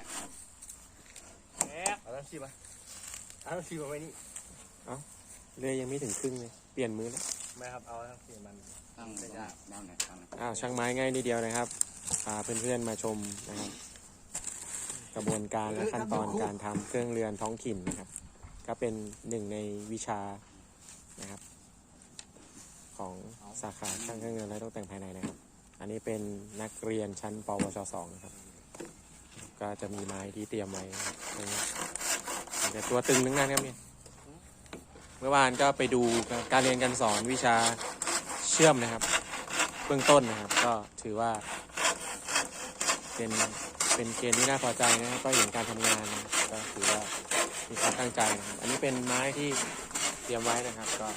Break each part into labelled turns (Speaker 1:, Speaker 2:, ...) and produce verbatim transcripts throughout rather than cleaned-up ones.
Speaker 1: เอาแล้วชิมอ่ะเอาแล้วชิมเอาไว้นี่
Speaker 2: เอ้าเลยยังไม่ถึงครึ่งเลยเปลี่ยนมือแล้ว
Speaker 1: ไม่ครับเอาแล้วชิมมัน
Speaker 3: ตั้งได้ด้านไหนตั้ง
Speaker 2: อ้าวช่างไม้ง่ายนิดเดียวนะครับพาเพื่อนๆมาชมนะครับกระบวนการและขั้นตอนการทำเครื่องเรือนท้องถิ่นนะครับก็เป็นหนึ่งในวิชานะครับของสาขาช่างเครื่องเรือนและตกแต่งภายในนะครับอันนี้เป็นนักเรียนชั้นปวชสองนะครับก็จะมีไม้ที่เตรียมไว้แต่ตัวตึงทั้งนั้นครับเนี่ยเมื่อวานก็ไปดูการเรียนการสอนวิชาเชื่อมนะครับเบื้องต้นนะครับก็ถือว่าเป็นเป็นเกณฑ์ที่น่าพอใจนะครับก็เห็นการทำงานนะก็ถือว่ามีความตั้งใจนะครับอันนี้เป็นไม้ที่เตรียมไว้นะครับก็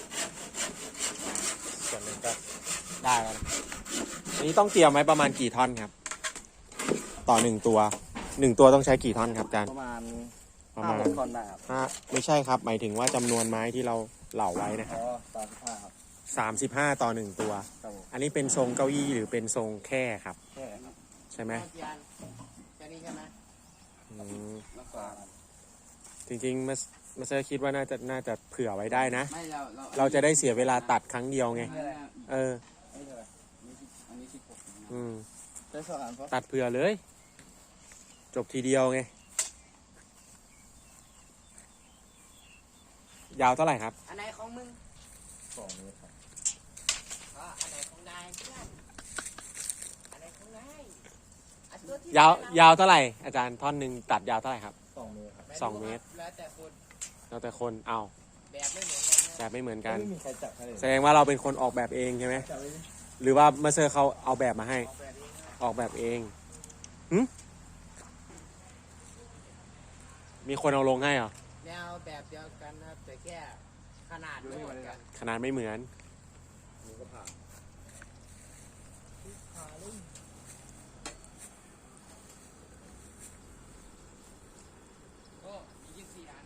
Speaker 2: ส่วนหนึ่งก็ได้แล้วนะอันนี้ต้องเตรียมไว้ประมาณกี่ท่อนครับต่อหนึ่งตัวหนึ่งตัวต้องใช้กี่ท่อนครับอาจารย์
Speaker 1: ประมาณ
Speaker 2: ประมาณ
Speaker 1: ห้าคนได้ครับ
Speaker 2: ห้าไม่ใช่ครับหมายถึงว่าจำนวนไม้ที่เราเหล่าไว้นะครับ
Speaker 1: อ๋อสามสิบห้าครับ
Speaker 2: สามสิบห้าต่อหนึ่งตัว
Speaker 1: ครับผม
Speaker 2: อันนี้เป็นทรงเก้าอี้หรือเป็นทรงแคร่ครับ
Speaker 1: แค่ครับ
Speaker 2: ใช่ไหม
Speaker 3: แค่นี้ใช่ไหม
Speaker 2: อืม
Speaker 3: แล้วก็
Speaker 2: จริงๆมามาเซอร์คิดว่าน่าจะน่าจะเผื่อไว้ได้นะ
Speaker 3: ไม่เราเรา
Speaker 2: เราจะได้เสียเวลาตัดครั้งเดียวไง เออ
Speaker 1: อันนี้เท่าไหร่
Speaker 3: อันนี้สิบหก
Speaker 2: อืม
Speaker 1: ได้สองอันปะ
Speaker 2: ตัดเผื่อเลย จบทีเดียวไง ยาวเท่าไหร่ครับ
Speaker 3: อันไหนของมึง
Speaker 1: สองเมตรครับ
Speaker 3: ก็อันไหนของนายเพื่อนอันไหนของนายอันตัวที่
Speaker 2: ยาวยาวเท่าไหร่ อาจารย์ท่อนหนึ่งตัดยาวเท่าไหร่ครับ
Speaker 1: สองเมตรครับ
Speaker 2: สองเมตร
Speaker 3: แล้วแต่คน
Speaker 2: แล้วแต่คนเอา
Speaker 3: แบบไม่เหมือนกันนะ
Speaker 2: แบบไม่เหมือนกัน
Speaker 1: ไม่มีใครจับให้เลย
Speaker 2: แสดงว่าเราเป็นคนออกแบบเองใช่ไหม
Speaker 1: จับไว้ดิ
Speaker 2: หรือว่ามาเซอร์เขาเอาแบบมาให้
Speaker 3: ออกแบบนี้นะ
Speaker 2: ออกแบบเองหึมีคนเอาลงให้เหรอ
Speaker 3: แนวแบบเดียวกันนะครับแต่แค่ขนาดไม่เหมือนกัน
Speaker 2: ขนาดไม่เหมือน
Speaker 1: นี่ก็ผ่าน
Speaker 3: โอ้มียี่สิบสี่อัน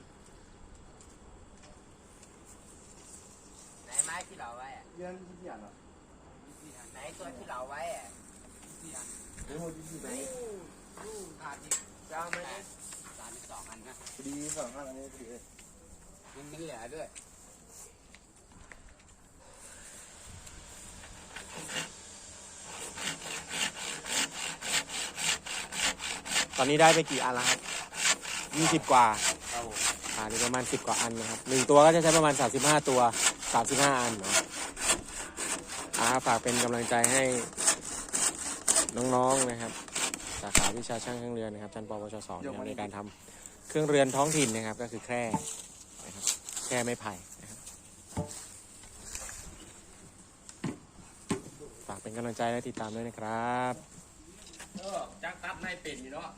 Speaker 3: ไหนไม้ที่เราไว้อะ
Speaker 1: เรื่องที่ที่อ่านเหรอ
Speaker 3: ยี่สิบสี่อันไหนตัวที่เราไว้อะยี่สิบสี่อัน
Speaker 1: เรื่องที่ที่ไห
Speaker 3: ไห
Speaker 1: น
Speaker 3: นดูขาดอีกเจ้าไม่ได้สามสิบสองอันนะ
Speaker 1: พอดีสองอันอันนี้พอดีเลย
Speaker 3: มันมีเหลือด้วย
Speaker 2: ตอนนี้ได้ไปกี่อันแล้วครับยี่สิบกว่า
Speaker 1: ครับผม
Speaker 2: อ่านี่ประมาณสิบกว่าอันนะครับหนึ่งตัวก็จะใช้ประมาณสามสิบห้าตัวสามสิบห้าอันนะอ่าฝากเป็นกำลังใจให้น้องๆนะครับสาขาวิชาช่างเครื่องเรือนนะครับชั้นปวชสองนะครับในการทำเครื่องเรือนท้องถิ่นนะครับก็คือแคร่นะครับแคร่ไม้ไผ่นะครับฝากเป็นกำลังใจและติดตามด้วยนะครับ
Speaker 1: เออจักตัดไม่เป็นอยู่เนาะ